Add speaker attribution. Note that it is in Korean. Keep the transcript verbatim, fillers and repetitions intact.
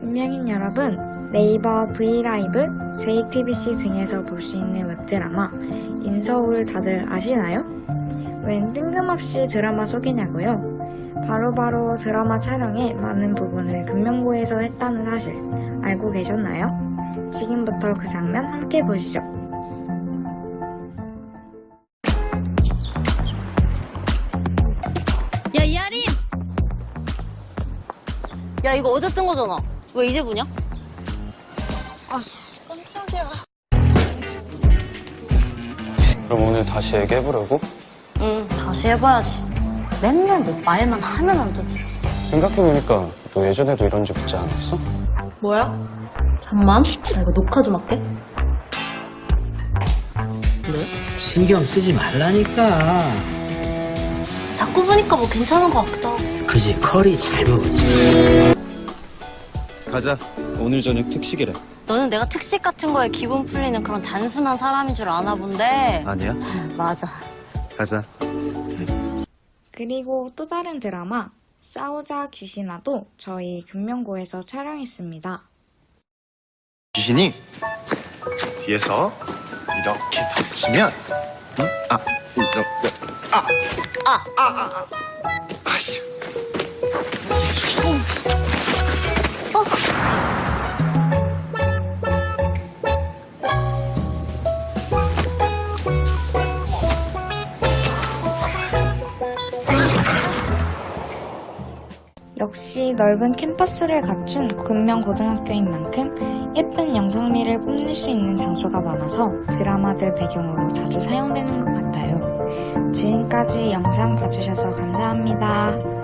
Speaker 1: 김명인 여러분, 네이버 브이라이브, 제이티비씨 등에서 볼 수 있는 웹드라마 인서울 다들 아시나요? 웬 뜬금없이 드라마 소개냐고요? 바로바로 드라마 촬영에 많은 부분을 금명고에서 했다는 사실 알고 계셨나요? 지금부터 그 장면 함께 보시죠.
Speaker 2: 야, 이하린! 야, 이거 어제 뜬 거잖아. 왜 이제 보냐? 아씨, 깜짝이야.
Speaker 3: 그럼 오늘 다시 얘기해보려고?
Speaker 2: 응, 다시 해봐야지. 맨날 뭐 말만 하면 안 되지, 진짜.
Speaker 3: 생각해보니까 너 예전에도 이런 적 있지 않았어?
Speaker 2: 뭐야? 잠만, 나 이거 녹화 좀 할게.
Speaker 4: 네? 신경 쓰지 말라니까.
Speaker 2: 자꾸 보니까 뭐 괜찮은 것 같기도 하고.
Speaker 4: 그지 커리 잘 먹었지.
Speaker 5: 가자. 오늘 저녁 특식이래.
Speaker 2: 너는 내가 특식 같은 거에 기분 풀리는 그런 단순한 사람인 줄 아나 본데.
Speaker 5: 아니야?
Speaker 2: 맞아.
Speaker 5: 가자.
Speaker 1: 그리고 또 다른 드라마 싸우자 귀신아도 저희 금명고에서 촬영했습니다.
Speaker 6: 귀신이 뒤에서 이렇게 덮치면 응? 아 이렇게 아 아 아 아아 아씨
Speaker 1: 역시 넓은 캠퍼스를 갖춘 금명고등학교인 만큼 예쁜 영상미를 뽐낼 수 있는 장소가 많아서 드라마들 배경으로 자주 사용되는 것 같아요. 지금까지 영상 봐주셔서 감사합니다.